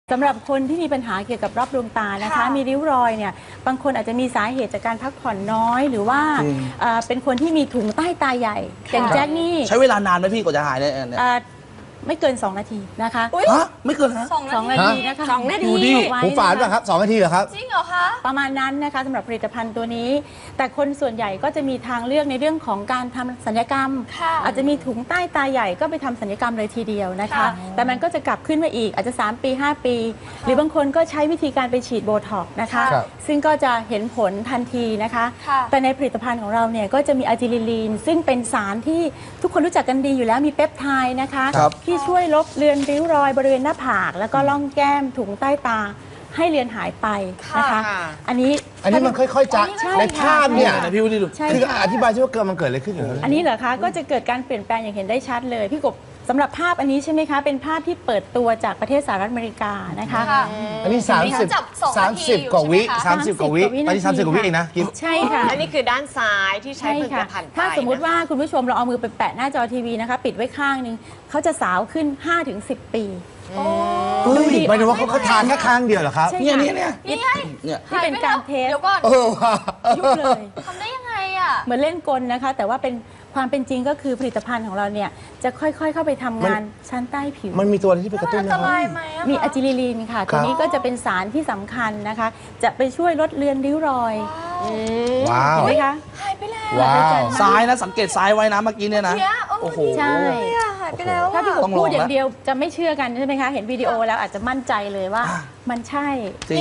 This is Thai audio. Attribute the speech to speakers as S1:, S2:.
S1: สำหรับคนที่มีปัญหาเกี่ยวกับรอบดวงตานะคะมีริ้วรอยเนี่ยบางคนอาจจะมีสาเหตุจากการพักผ่อนน้อยหรือว่าเป็นคนที่มีถุงใต้ตาใหญ่อย่างแจ็คนี่
S2: ใช้เวลานานไหมพี่กว่าจะหายเนี่ย
S1: ไม่เกิน2 นาทีนะคะ
S2: ไม่เกินฮะ
S1: 2 นาทีนะคะ
S3: 2 นาทีหูฝาดป่ะครับ2 นาทีเหรอครับ
S4: จริงเหรอคะ
S1: ประมาณนั้นนะคะสำหรับผลิตภัณฑ์ตัวนี้แต่คนส่วนใหญ่ก็จะมีทางเลือกในเรื่องของการทำศัลยกรรมอาจจะมีถุงใต้ตาใหญ่ก็ไปทำศัลยกรรมเลยทีเดียวนะคะแต่มันก็จะกลับขึ้นมาอีกอาจจะ3 ปี 5 ปี หรือบางคนก็ใช้วิธีการไปฉีดโบท็อกซ์นะคะซึ่งก็จะเห็นผลทันทีนะคะแต่ในผลิตภัณฑ์ของเราเนี่ยก็จะมีอะจิลิลีนซึ่งเป็นสารที่ทุกคนรู้จักกันดีอยู่แล้วมีเปปไทด์นะคะที่ช่วยลบเลือนริ้วรอยบริเวณหน้าผากแล้วก็ร่องแก้มถุงใต้ตาให้เลือนหายไปนะคะอันนี้
S3: มันค่อยๆจะในภาพเนี่ย
S2: พี่วิลลี่ดู
S3: คืออธิบายว่ามันเกิดอะไรขึ้น
S1: อันนี้เหรอคะก็จะเกิดการเปลี่ยนแปลงอย่างเห็นได้ชัดเลยพี่กบสำหรับภาพอันนี้ใช่ไหมคะเป็นภาพที่เปิดตัวจากประเทศสหรัฐอเมริกานะคะ
S3: อันนี้30 กว่าวิ30 กว่าวิอันนี้30 กว่าวิเองนะ
S1: ใช่ค่ะ
S4: อันนี้คือด้านซ้ายที่ใช้ผลิตภัณฑ์
S1: ถ้าสมมุติว่าคุณผู้ชมเราเอามือไปแปะหน้าจอทีวีนะคะปิดไว้ข้างนึงเขาจะสาวขึ้น 5-10 ปี
S3: หมายถึงว่าเขาทานแค่ข้างเดียวเหรอครับ
S2: เนี่ย
S1: ที่เป็นการเทส
S4: เดี๋ยวก่อน
S1: ยุบเลย
S4: ทำได้ยังไงอ่ะ
S1: เหมือนเล่นกลนะคะแต่ว่าเป็นความเป็นจริงก็คือผลิตภัณฑ์ของเราเนี่ยจะค่อยๆเข้าไปทำงานชั้นใต้ผิว
S3: มันมีตัวอะไรที่ไปกระตุ้น
S4: นะครับ
S1: มีอะจิลิลีนค่ะตัวนี้ก็จะเป็นสารที่สำคัญนะคะจะไปช่วยลดเลือนริ้วรอย
S3: ว้าว
S1: เห็นไหมคะ
S4: หายไปแล้ว
S2: ซ้ายนะสังเกตซ้ายไว้นะเมื่อกี้เนี่ยนะ
S4: โอ้โห
S1: ใช่
S4: หายไปแล้ว
S1: ถ้าพี่กบพูดอย่างเดียวจะไม่เชื่อกันใช่ไหมคะเห็นวิดีโอแล้วอาจจะมั่นใจเลยว่ามันใช่